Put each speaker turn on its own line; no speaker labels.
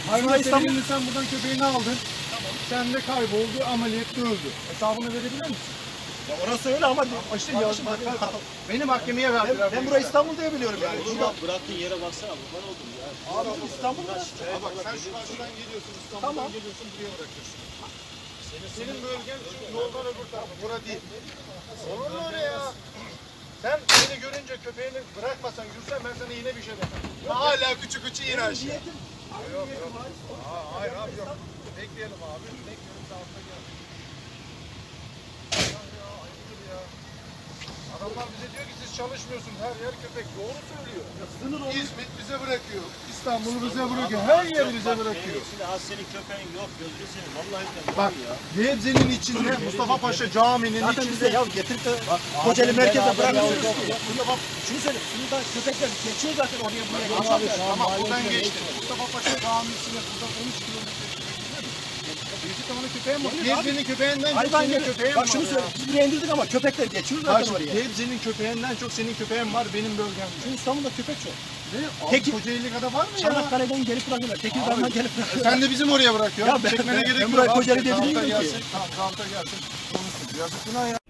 Hayvan sevinli sen buradan köpeğini aldın. Tamam. Sen de kayboldu, ameliyatta öldü. Hesabını verebilir misin?
Ya orası öyle ama
İşte beni mahkemeye verdiler.
ben burayı İstanbul diye biliyorum yani.
Oğlum bak bıraktığın yere baksana kurban oldum ya.
Abi İstanbul'da.
Bak sen şu karşıdan geliyorsun, İstanbul'dan geliyorsun, buraya bırakıyorsun. Senin bölgen şu yoldan öbür tarafı, bura değil. Olur mu öyle ya? Sen beni görünce köpeğini bırakmasan, yürüsen ben sana yine bir şey demem. Hala küçük yine aşağı. Yok yok. Hayır abi yok. Bekleyelim abi. Bekleyelim de altta gel. Ya ayıptır ya. Adamlar bize diyor ki siz çalışmıyorsunuz. Her yer köpek. Doğru söylüyor. İzmit bize bırakıyor. İstanbul bize bırakıyor. Her yer bize bırakıyor.
Şimdi az senin köpeğin yok gözünü seveyim. Vallahi billahi
Bak
ya.
Gebze'nin içinde Mustafa Paşa Camii'nin
Zaten bize
içinde.
ya getirip de Kocaeli merkeze bırakıyoruz. Bunda bak şunu söyle. Burada köpekler geçiyor zaten oraya buraya.
Tamam buradan geçti. Mustafa Paşa Camii'sine buradan 13 kilometre. Büyük tane köpeğim var. Gebze'nin köpeğinden çok
Hayvan
senin
gibi.
köpeğin
Bak
var.
şunu söyle. Biz buraya indirdik ama köpekler geçiyor zaten
Bak
oraya.
Gebze'nin köpeğinden çok senin köpeğin var benim bölgemde.
Şu İstanbul'da köpek çok.
Ne?
Peki-
Kocaeli kadar var mı ya?
Çanakkale'den gelip bırakıyorlar. Tekirdağ'dan gelip bırakıyorlar.
Sen de bizim oraya bırakıyorsun.
Ya ben-
Çekmene
ben
gerek yok.
buraya
Abi,
Kocaeli diye
kağıtta
bilmiyorum ki.
gelsin. Tamam kağıtta gelsin. Konuşsun. Yazık günah ya.